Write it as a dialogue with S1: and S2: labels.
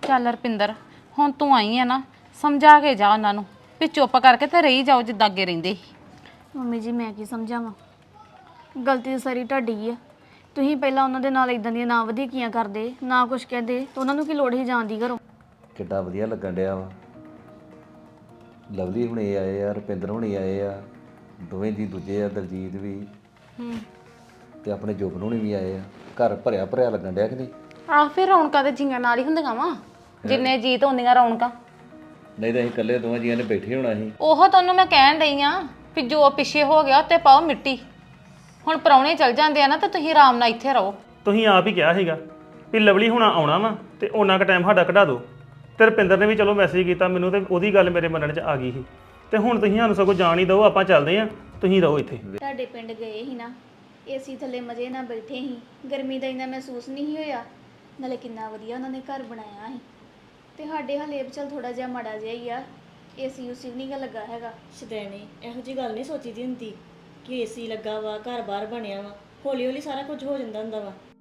S1: ਚੱਲ ਰਪਿੰਦਰ, ਹੁਣ ਤੂੰ ਆਈ ਆ ਨਾ, ਸਮਝਾ ਕੇ ਜਾ ਉਹਨਾਂ ਨੂੰ ਵੀ ਚੁੱਪ ਕਰਕੇ ਤੇ ਰਹੀ ਜਾਓ ਜਿੱਦਾਂ ਅੱਗੇ ਰਹਿੰਦੇ ਸੀ।
S2: ਮੰਮੀ ਜੀ ਮੈਂ ਕੀ ਸਮਝਾਵਾਂ, ਗਲਤੀ ਤਾਂ ਸਾਰੀ ਤੁਹਾਡੀ ਆ। ਤੁਸੀਂ ਪਹਿਲਾਂ ਉਹਨਾਂ ਦੇ ਨਾਲ ਇਦਾਂ ਦੀਆਂ ਨਾ ਵਧੀਕੀਆਂ ਕਰਦੇ, ਨਾ ਕੁਝ ਕਹਿੰਦੇ ਤਾਂ ਉਹਨਾਂ ਨੂੰ ਕੀ ਲੋੜ ਸੀ ਜਾਣ ਦੀ ਘਰੋਂ।
S3: ਕਿੱਡਾ ਵਧੀਆ ਲੱਗਣ ਡਿਆ ਵਾ। ਲਵਲੀ ਹੁਣੇ ਆਏ ਆ, ਰੁਪਿੰਦਰ ਹੁਣੇ ਆਏ ਆ, ਦੋਵੇਂ ਜੀ ਦੂਜੇ ਆ, ਦਲਜੀਤ ਵੀ ਤੇ ਆਪਣੇ ਜੁਬਨ ਹੁਣੀ ਵੀ ਆਏ ਆ। ਘਰ ਭਰਿਆ ਭਰਿਆ ਲੱਗਣ ਡਿਆ ਕਿ ਨਹੀਂ?
S1: ਆਹ ਫਿਰ ਰੌਣਕਾਂ ਤੇ ਜੀਆਂ ਨਾਲ ਹੀ ਹੁੰਦੀਆਂ ਵਾ, ਜਿੰਨੇ ਜੀਤ ਹੁੰਦੀਆਂ ਰੌਣਕਾਂ।
S3: ਨਹੀਂ ਤਾਂ ਅਸੀਂ ਇਕੱਲੇ ਦੋਵਾਂ ਜੀਆਂ ਨੇ ਬੈਠੇ ਹੋਣਾ ਸੀ।
S1: ਉਹ ਤੁਹਾਨੂੰ ਮੈਂ ਕਹਿਣ ਡਈ ਆ ਵੀ ਜੋ ਪਿੱਛੇ ਹੋ ਗਿਆ ਉੱਤੇ ਪਾਓ ਮਿੱਟੀ। ਹੁਣ ਪ੍ਰਾਹੁਣੇ ਚਲ ਜਾਂਦੇ ਆ ਨਾ ਤਾਂ ਤੁਸੀਂ ਆਰਾਮ ਨਾਲ ਇੱਥੇ ਰਹੋ।
S4: ਤੁਸੀਂ ਆਪ ਹੀ ਕਿਹਾ ਸੀਗਾ ਵੀ ਲਵਲੀ ਹੁਣਾ ਆਉਣਾ ਵਾ ਤੇ ਉਹਨਾਂ ਕੁ ਟਾਈਮ ਸਾਡਾ ਕਢਾ ਦਿਓ। ਤੇ ਰੁਪਿੰਦਰ ਨੇ ਵੀ ਚਲੋ ਮੈਸੇਜ ਕੀਤਾ ਮੈਨੂੰ, ਤੇ ਉਹਦੀ ਗੱਲ ਮੇਰੇ ਮੰਨਣ 'ਚ ਆ ਗਈ ਸੀ। ਤੇ ਹੁਣ ਤੁਸੀਂ ਸਾਨੂੰ ਸਗੋਂ ਜਾਣ ਹੀ ਦਿਓ, ਆਪਾਂ ਚੱਲਦੇ ਆ, ਤੁਸੀਂ ਰਹੋ ਇੱਥੇ।
S2: ਤੁਹਾਡੇ ਪਿੰਡ ਗਏ ਸੀ ਨਾ, ਏਸੀ ਥੱਲੇ ਮਜ਼ੇ ਨਾਲ ਬੈਠੇ ਸੀ, ਗਰਮੀ ਦਾ ਇੰਨਾ ਮਹਿਸੂਸ ਨਹੀਂ ਹੋਇਆ। ਨਾਲੇ ਕਿੰਨਾ ਵਧੀਆ ਉਹਨਾਂ ਨੇ ਘਰ ਬਣਾਇਆ ਸੀ। ਤੇ ਸਾਡੇ ਹਲੇ ਚਲ ਥੋੜਾ ਜਿਹਾ ਮਾੜਾ ਜਿਹਾ ਹੀ ਆ, ਏਸੀ ਉਸੀ ਵੀ ਨਹੀਂ ਗਾ ਲੱਗਾ ਹੈਗਾ।
S5: ਸ਼ਦੈਣੇ ਇਹੋ ਜੀ ਗੱਲ ਨਹੀਂ ਸੋਚੀ ਦੀ ਹੁੰਦੀ ਕਿ ਏਸੀ ਲੱਗਾ ਵਾ, ਘਰ ਬਾਹਰ ਬਣਿਆ ਵਾ, ਹੌਲੀ ਹੌਲੀ ਸਾਰਾ ਕੁਝ ਹੋ ਜਾਂਦਾ ਹੁੰਦਾ ਵਾ।